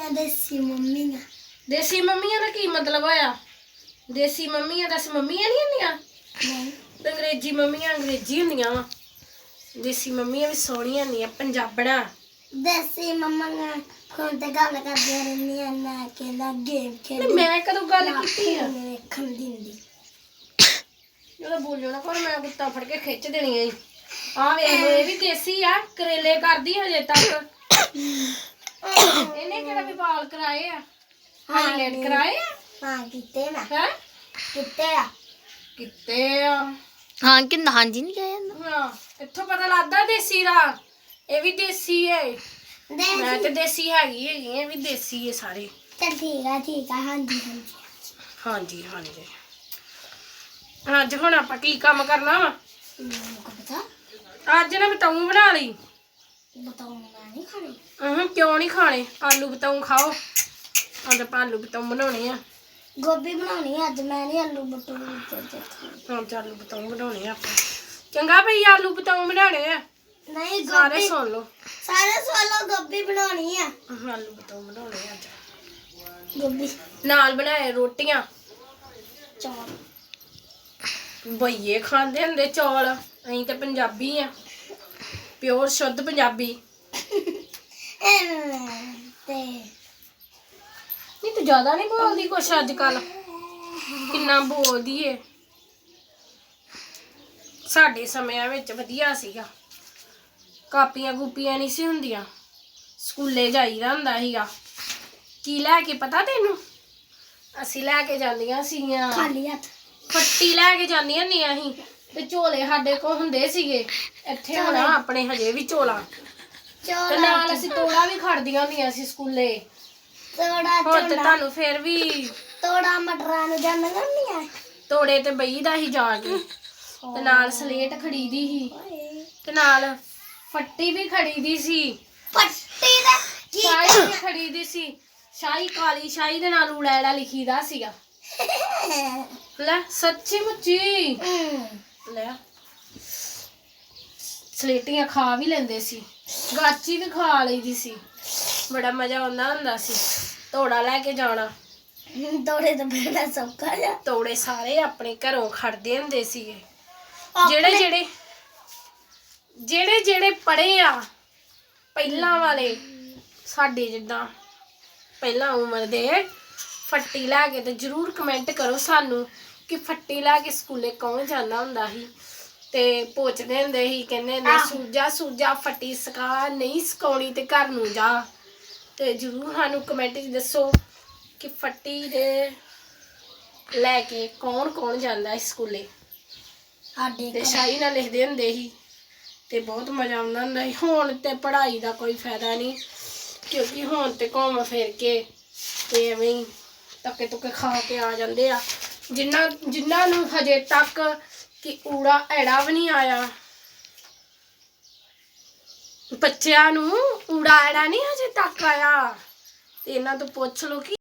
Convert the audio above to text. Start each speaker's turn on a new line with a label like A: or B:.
A: देसी मम्मियां
B: देसी मम्मियां दा की मतलब होया देसी मम्मियां दस मम्मियां नहीं हुंदियां
A: नहीं
B: अंग्रेजी मम्मियां अंग्रेजी हुंदियां वा देसी मम्मियां भी सोहणियां हुंदियां पंजाबड़ा
A: देसी मम्मियां फोन ते गल करदियां रहंदियां ना केला गेम खेल
B: मैं कदों गल कीती है
A: वेखण दिंदी
B: ਜਦੋਂ ਬੋਲਿਓ ਨਾ ਪਰ ਮੈਂ ਗੁੱਤਾ ਫੜ ਕੇ ਖਿੱਚ ਦੇਣੀ ਐ ਆ ਵੇਖ ਲੋ ਇਹ ਵੀ ਦੇਸੀ ਆ ਕਰੇਲੇ ਕਰਦੀ ਹਜੇ ਤੱਕ ਇਹਨੇ ਕਿਹੜਾ ਵੀ ਵਾਲ ਕਰਾਏ ਆ ਹਾਈਲਾਈਟ ਕਰਾਏ ਆ
A: हां किते ना
B: ਹੈ
A: किते आ
B: ਕਿੱਤੇ ਆ
C: हाँ कि हाँ जी नहीं कहा
B: ਹਾਂ ਇੱਥੋਂ ਪਤਾ ਲੱਗਦਾ ਦੇਸੀ ਦਾ ਇਹ ਵੀ ਦੇਸੀ ਏ ਮੈਂ ਤੇ ਦੇਸੀ ਹੈਗੀ ਇਹ ਵੀ ਦੇਸੀ ਏ ਸਾਰੇ
A: चल ठीक है हां जी
B: ਹਾਂਜੀ ਹਾਂਜੀ ਅੱਜ ਹੁਣ ਆਪਾਂ ਕੀ ਕੰਮ ਕਰਨਾ ਵਾ
A: को पता
B: ਅੱਜ ਨਾ ਬਤਾਊ ਬਣਾ ਲਈ
A: बताओ मैं नहीं खानी
B: ਕਿਉਂ ਨਹੀਂ ਖਾਣੇ ਆਲੂ ਬਤਾਊ ਖਾਓ ਅੱਜ ਆਪਾਂ ਆਲੂ ਬਤਾਊ ਬਣਾਉਣੇ ਆ
A: गोभी बनानी है आज मैं नहीं आलू बटूर
B: ਹਾਂ ਚੱਲ ਆਲੂ ਬਤਾਊ ਬਣਾਉਣੇ ਆ ਆਪਾਂ ਚੰਗਾ ਭਈ ਆਲੂ ਬਤਾਊ ਬਣਾਉਣੇ ਆ
A: नहीं
B: ਸਾਰੇ
A: गोभी
B: ਸੁਣ ਲਓ
A: सारे सोलो गोभी बनानी है
B: ਆਲੂ ਬਤਾਊ ਬਣਾਉਣੇ ਆ ਅੱਜ
A: गोभी
B: ਨਾਲ ਬਣਾਏ ਰੋਟੀਆਂ
A: चौल
B: ਬਈਏ ਖਾਂਦੇ ਹੁੰਦੇ ਚੌਲ ਅਸੀਂ ਤੇ ਪੰਜਾਬੀ ਆ ਪਿਓਰ ਸ਼ੁੱਧ ਪੰਜਾਬੀ
A: ते
B: ਨਹੀਂ ਤੂੰ ਜ਼ਿਆਦਾ ਨਹੀਂ ਬੋਲਦੀ ਕੁਛ ਅੱਜ ਕੱਲ ਕਿੰਨਾ ਬੋਲਦੀ ਏ ਸਾਡੇ ਸਮਿਆਂ ਵਿੱਚ ਵਧੀਆ ਸੀਗਾ ਕਾਪੀਆਂ ਕੂਪੀਆਂ ਨਹੀਂ ਸੀ ਹੁੰਦੀਆਂ ਸਕੂਲੇ ਜਾਈਦਾ ਹੁੰਦਾ ਸੀਗਾ ਕੀ ਲੈ ਕੇ ਪਤਾ ਤੈਨੂੰ ਅਸੀਂ ਲੈ ਕੇ ਜਾਂਦੀਆਂ ਸੀਗੀਆਂ
A: खाली हाथ
B: ਫੱਟੀ ਲੈ ਕੇ ਜਾਂਦੀਆਂ ਹੁੰਦੀਆਂ ਸੀ ਤੇ ਝੋਲੇ ਸਾਡੇ ਕੋਲ ਹੁੰਦੇ ਸੀਗੇ ਇੱਥੇ ਹੁਣ ਆਪਣੇ ਹਜੇ ਵੀ ਝੋਲਾ ਤੇ
A: चौल
B: ਨਾਲ ਅਸੀਂ ਤੋੜਾ ਵੀ ਖੜਦੀਆਂ ਹੁੰਦੀਆਂ ਸੀ ਸਕੂਲੇ
A: थोड़ा
B: ਹੁਣ ਤੇ ਤੁਹਾਨੂੰ ਫਿਰ ਵੀ
A: थोड़ा मटरा नु जान करनी है
B: ਤੋੜੇ ਤੇ ਬਈਦਾ ਸੀ ਜਾ ਕੇ ਤੇ ਨਾਲ ਸਲੇਟ ਖੜੀਦੀ ਸੀ ਤੇ ਨਾਲ ਫੱਟੀ ਵੀ ਖੜੀਦੀ ਸੀ
A: पट्टी दा
B: ਸ਼ਾਹੀ ਵੀ ਖੜੀਦੀ ਸੀ ਸ਼ਾਹੀ ਕਾਲੀ ਸ਼ਾਹੀ ਦੇ ਨਾਲ ਉੜੈੜਾ ਲਿਖੀਦਾ ਸੀਗਾ ਲੈ ਸੱਚੀ ਮੁੱਚੀ ਲੈ ਸਲੇਟੀਆਂ ਖਾ ਵੀ ਲੈਂਦੇ ਸੀ ਗਾਚੀ ਵੀ ਖਾ ਲਈਦੀ ਸੀ ਬੜਾ ਮਜ਼ਾ ਆਉਂਦਾ ਹੁੰਦਾ ਸੀ ਤੋੜਾ ਲੈ ਕੇ ਜਾਣਾ
A: दौड़े तो बेड़ा सबका जा
B: ਤੋੜੇ ਸਾਰੇ ਆਪਣੇ ਘਰੋਂ ਖੜਦੇ ਹੁੰਦੇ ਸੀਗੇ ਜਿਹੜੇ ਜਿਹੜੇ ਪੜੇ ਆ ਪਹਿਲਾਂ ਵਾਲੇ ਸਾਡੇ ਜਿੱਦਾਂ ਪਹਿਲਾਂ ਉਮਰ ਦੇ ਫੱਟੀ ਲੈ ਕੇ ਤੇ ਜਰੂਰ ਕਮੈਂਟ ਕਰੋ ਸਾਨੂੰ ਕਿ ਫੱਟੀ ਲੈ ਕੇ ਸਕੂਲੇ ਕੌਣ ਜਾਂਦਾ ਹੁੰਦਾ ਸੀ ਤੇ ਪੁੱਛਦੇ ਹੁੰਦੇ ਸੀ ਕਹਿੰਦੇ ਹੁੰਦੇ ਸੂਜਾ ਫੱਟੀ ਸਕਾ ਨਹੀਂ ਸਕਾਉਣੀ ਤੇ ਘਰ ਨੂੰ ਜਾ ਤੇ ਜਰੂਰ ਸਾਨੂੰ ਕਮੈਂਟ 'ਚ ਦੱਸੋ ਕਿ ਫੱਟੀ ਦੇ ਲੈ ਕੇ ਕੌਣ ਜਾਂਦਾ ਹੈ ਸਕੂਲੇ
A: आडे
B: ਤੇ ਸ਼ਾਹੀ ਨਾਲ ਲਿਖਦੇ ਹੁੰਦੇ ਸੀ ਤੇ ਬਹੁਤ ਮਜ਼ਾ ਆਉਂਦਾ ਹੁੰਦਾ ਸੀ ਹੁਣ ਤੇ ਪੜ੍ਹਾਈ ਦਾ ਕੋਈ ਫਾਇਦਾ ਨਹੀਂ ਕਿਉਂਕਿ ਹੁਣ ਤੇ ਘੁੰਮ ਫਿਰ ਕੇ ਤੇ ਐਵੇਂ ਹੀ ਧੱਕੇ ਧੁੱਕੇ ਖਾ ਕੇ ਆ ਜਾਂਦੇ ਆ ਜਿਨ੍ਹਾਂ ਨੂੰ ਹਜੇ ਤੱਕ ਕਿ ਊੜਾ ਐੜਾ ਵੀ ਨਹੀਂ ਆਇਆ ਬੱਚਿਆਂ ਨੂੰ ਊੜਾ ਐੜਾ ਨਹੀਂ ਹਜੇ ਤੱਕ ਆਇਆ ਤੇ ਇਹਨਾਂ ਤੋਂ ਪੁੱਛ ਲਓ ਕਿ